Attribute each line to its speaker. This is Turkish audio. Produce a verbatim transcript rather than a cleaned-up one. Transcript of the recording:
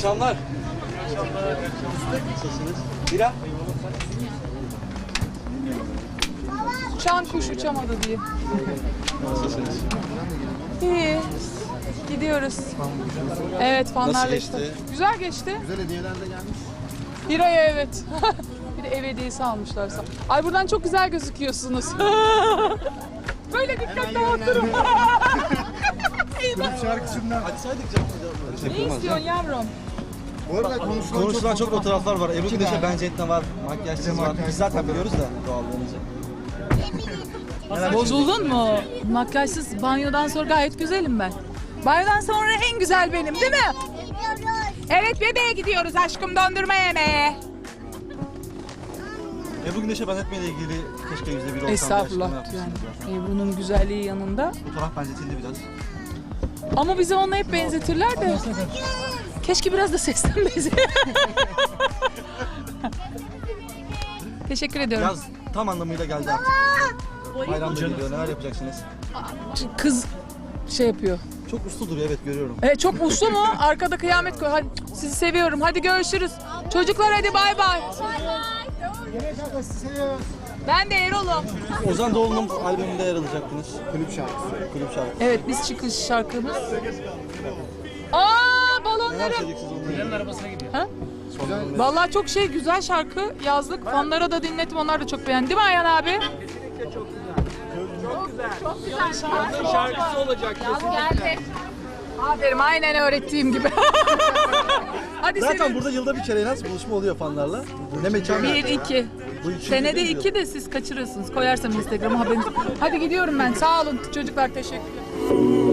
Speaker 1: akşamlar.
Speaker 2: İyi akşamlar.
Speaker 1: Nasılsınız? Bira?
Speaker 3: Uçan kuş uçamadı diye.
Speaker 1: Nasılsınız?
Speaker 3: İyi. Gidiyoruz. Evet, fanlarla
Speaker 1: Nasıl
Speaker 3: işte.
Speaker 1: geçti?
Speaker 3: Güzel geçti.
Speaker 2: Güzel hediyeler de gelmiş.
Speaker 3: Bir aya evet. Bir de ev hediyesi almışlar. Ay buradan çok güzel gözüküyorsunuz. Böyle dikkat dağıtırım.
Speaker 2: Kulüp şarkısından.
Speaker 1: Açsaydık canım.
Speaker 3: Ne istiyorsun yavrum?
Speaker 2: Bu arada konuşulan,
Speaker 1: Konuşulan çok fotoğraflar var. Ebru Güneş'e
Speaker 2: tane.
Speaker 1: benzetme var. Makyajsız var.
Speaker 2: makyaj.
Speaker 1: Biz zaten biliyoruz da doğallığınızı.
Speaker 3: Bozuldun mu? Makyajsız banyodan sonra gayet güzelim ben. Banyodan sonra en güzel benim değil mi? Evet, bebeğe gidiyoruz aşkım, dondurma yemeye.
Speaker 1: Ebru Güneş'e benzetmeyle ilgili keşke yüzde bir olsam.
Speaker 3: Estağfurullah yani. Ebru'nun güzelliği yanında.
Speaker 1: Fotoğraf benzetildi biraz.
Speaker 3: Ama bizi ona hep benzetirler de. Keşke biraz da sesten benzetir. Teşekkür ediyorum.
Speaker 1: Yaz tam anlamıyla geldi artık. Bayram da geliyor. Neler yapacaksınız?
Speaker 3: Kız şey yapıyor.
Speaker 1: Çok uslu duruyor, evet görüyorum.
Speaker 3: E, çok uslu mu? Arkada kıyamet koy. Hadi, sizi seviyorum. Hadi görüşürüz. Çocuklar hadi bay bay. Ben de Erol'um.
Speaker 1: Ozan Doğulu'nun albümünde yer alacaktınız.
Speaker 2: Kulüp şarkısı.
Speaker 1: Kulüp şarkısı.
Speaker 3: Evet, biz çıkış şarkımız. Aa,
Speaker 1: Neler
Speaker 3: balonlarım.
Speaker 1: söyleyeceksiniz onunla?
Speaker 3: Ha? Vallahi çok şey, güzel şarkı yazdık. Fanlara da dinlettim. Onlar da çok beğendi. Değil mi Ayhan abi?
Speaker 4: Şarkısı olacak.
Speaker 3: Geldi. Aferin, aynen öğrettiğim gibi. Hadi
Speaker 1: Zaten
Speaker 3: senin.
Speaker 1: burada yılda bir kere en az buluşma oluyor fanlarla. Ne mekan?
Speaker 3: Bir, iki.
Speaker 1: Bu üçüncü
Speaker 3: Senede
Speaker 1: değil mi?
Speaker 3: iki de siz kaçırırsınız. Koyarsam Instagram'a haberiniz. Hadi gidiyorum ben. Sağ olun çocuklar, teşekkürler.